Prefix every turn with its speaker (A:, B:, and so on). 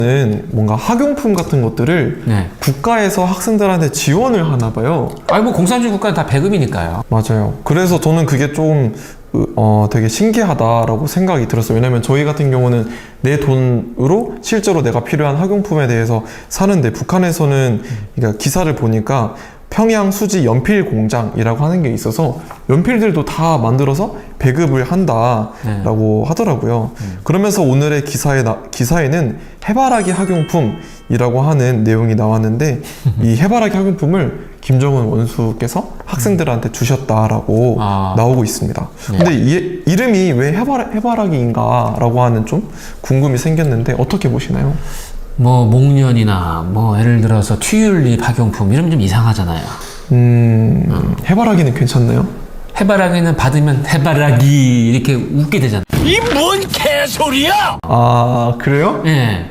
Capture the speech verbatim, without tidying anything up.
A: 는 뭔가 학용품 같은 것들을
B: 네.
A: 국가에서 학생들한테 지원을 하나 봐요.
B: 아니 뭐 공산주의 국가는 다 배급이니까요.
A: 맞아요. 그래서 저는 그게 좀 어, 되게 신기하다라고 생각이 들었어요. 왜냐면 저희 같은 경우는 내 돈으로 실제로 내가 필요한 학용품에 대해서 사는데, 북한에서는 그러니까 기사를 보니까 평양 수지 연필 공장이라고 하는 게 있어서 연필들도 다 만들어서 배급을 한다라고
B: 네.
A: 하더라고요.
B: 음.
A: 그러면서 오늘의 기사에 나, 기사에는 해바라기 학용품이라고 하는 내용이 나왔는데 이 해바라기 학용품을 김정은 원수께서 학생들한테 주셨다라고
B: 아.
A: 나오고 있습니다.
B: 네.
A: 근데 이, 이름이 왜 해바라, 해바라기인가라고 하는 좀 궁금이 생겼는데 어떻게 보시나요?
B: 뭐 목련이나 뭐 예를 들어서 튤립 학용품 이러면 좀 이상하잖아요.
A: 음, 해바라기는 괜찮나요?
B: 해바라기는 받으면 해바라기 이렇게 웃게 되잖아요.
C: 이 뭔 개소리야!
A: 아, 그래요?
B: 예.